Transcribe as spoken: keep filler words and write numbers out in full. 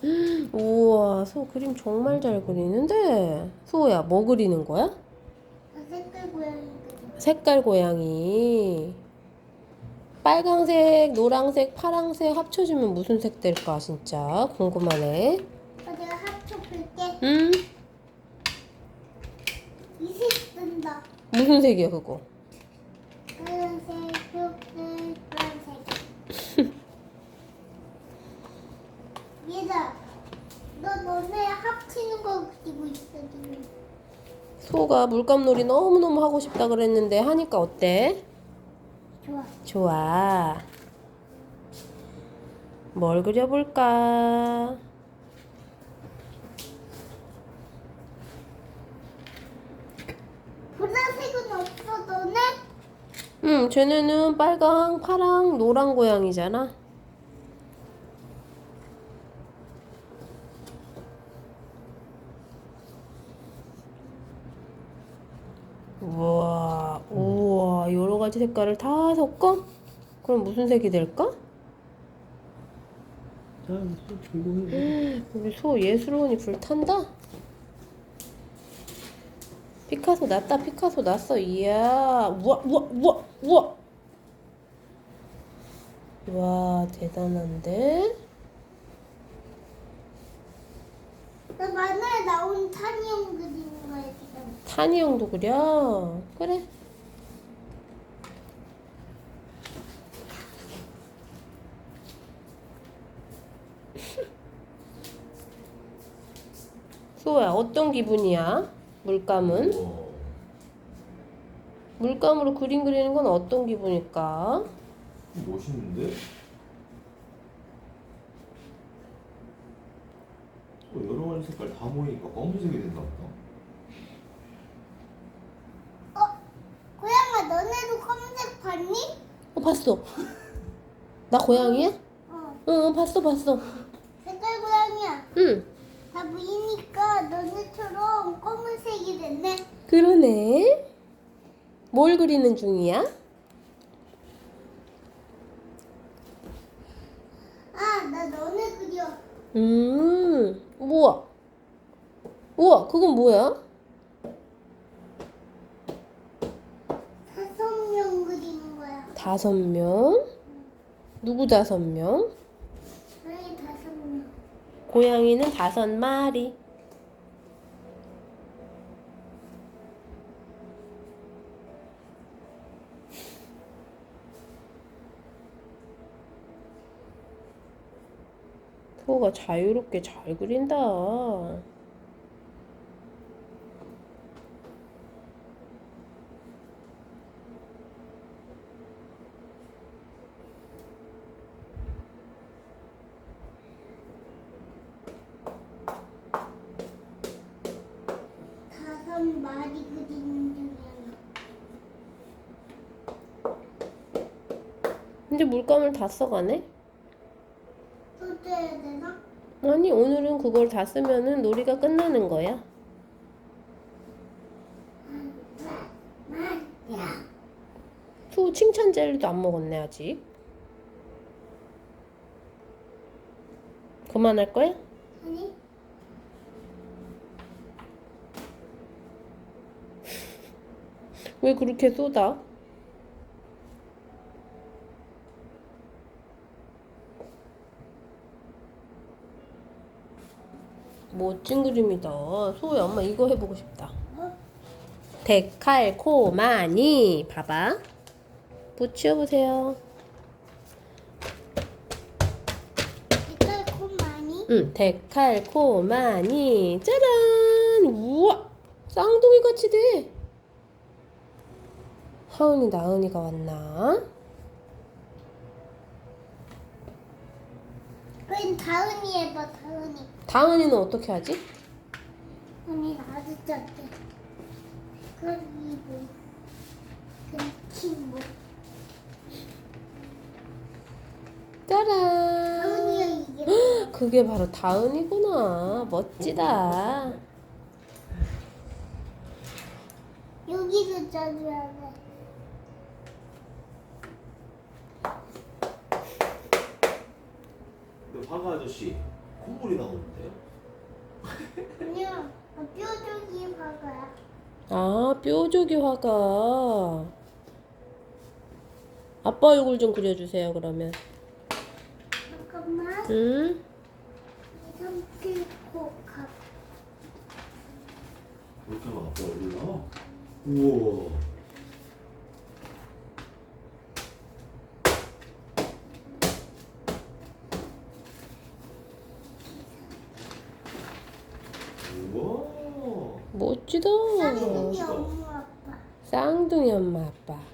우와, 소 그림 정말 잘 그리는데? 소야, 뭐 그리는 거야? 아, 색깔 고양이거든. 색깔 고양이. 빨강색, 노랑색, 파랑색 합쳐지면 무슨 색 될까, 진짜? 궁금하네. 어, 내가 합쳐 볼게. 음? 이색 쓴다. 무슨 색이야, 그거? 빨간색, 초록색, 노란색. 얘들아, 너 너네 합치는 거 그리고 있어 지금. 소가 물감놀이 너무너무 하고 싶다 그랬는데 하니까 어때? 좋아. 좋아. 뭘 그려볼까? 보라색은 없어 너네? 응, 쟤네는 빨강, 파랑, 노랑 고양이잖아. 우와, 우와, 여러 가지 색깔을 다 섞어? 그럼 무슨 색이 될까? 다음 또 전공해. 우리 소 예술원이 불탄다? 피카소 났다, 피카소 났어. 이야, 우와, 우와, 우와, 우와. 와, 대단한데? 나 만화에 나온 타니형 그리는 거야 지금. 타니 형도 그려? 그래. 소야, 어떤 기분이야? 물감은? 우와. 물감으로 그림 그리는 건 어떤 기분일까? 멋있는데? 어, 여러 가지 색깔 다 모이니까 검은색이 됐나 보다. 어? 고양아 너네도 검은색 봤니? 어, 봤어. 나 고양이야? 어. 응, 봤어, 봤어. 색깔 고양이야. 응, 다 보이니까 너네처럼 검은색이 됐네. 그러네. 뭘 그리는 중이야? 아, 나 너네 그려. 음, 우와. 우와, 그건 뭐야? 다섯 명 그리는 거야. 다섯 명? 누구 다섯 명? 고양이 다섯 명. 고양이는 다섯 마리. 소가 자유롭게 잘 그린다. 다섯 마리 그리는 중이야. 근데 물감을 다 써가네? 또 떼야 되나? 아니, 오늘은 그걸 다 쓰면은 놀이가 끝나는 거야. 야. 소 칭찬 젤리도 안 먹었네, 아직. 그만할 거야? 아니? 왜 그렇게 쏟아? 멋진 그림이다. 소야, 엄마 이거 해보고 싶다. 어? 데칼코마니. 봐봐. 붙여보세요. 색깔 콤 많이? 응, 데칼코마니. 짜란! 우와! 쌍둥이 같이 돼. 하은이, 나은이가 왔나? 그럼 다은이 해봐 다은이. 다은이는 어떻게 하지? 언니 아주 작게. 그럼 이거. 그럼 친구. 짜란! 다은이가 이게. 그게 바로 다은이구나. 멋지다. 여기도 짜줘야 돼. 그 화가 아저씨 콧물이 나오는데요? 그냥 뾰족이 봐봐요. 아, 뾰족이 화가. 아빠 얼굴 좀 그려주세요, 그러면. 잠깐만. 응? 삼킬코 가. 이렇게 하면 아빠 얼굴 나와? 우와. 우와. 멋지다. 쌍둥이 엄마 아빠. 쌍둥이 엄마, 아빠.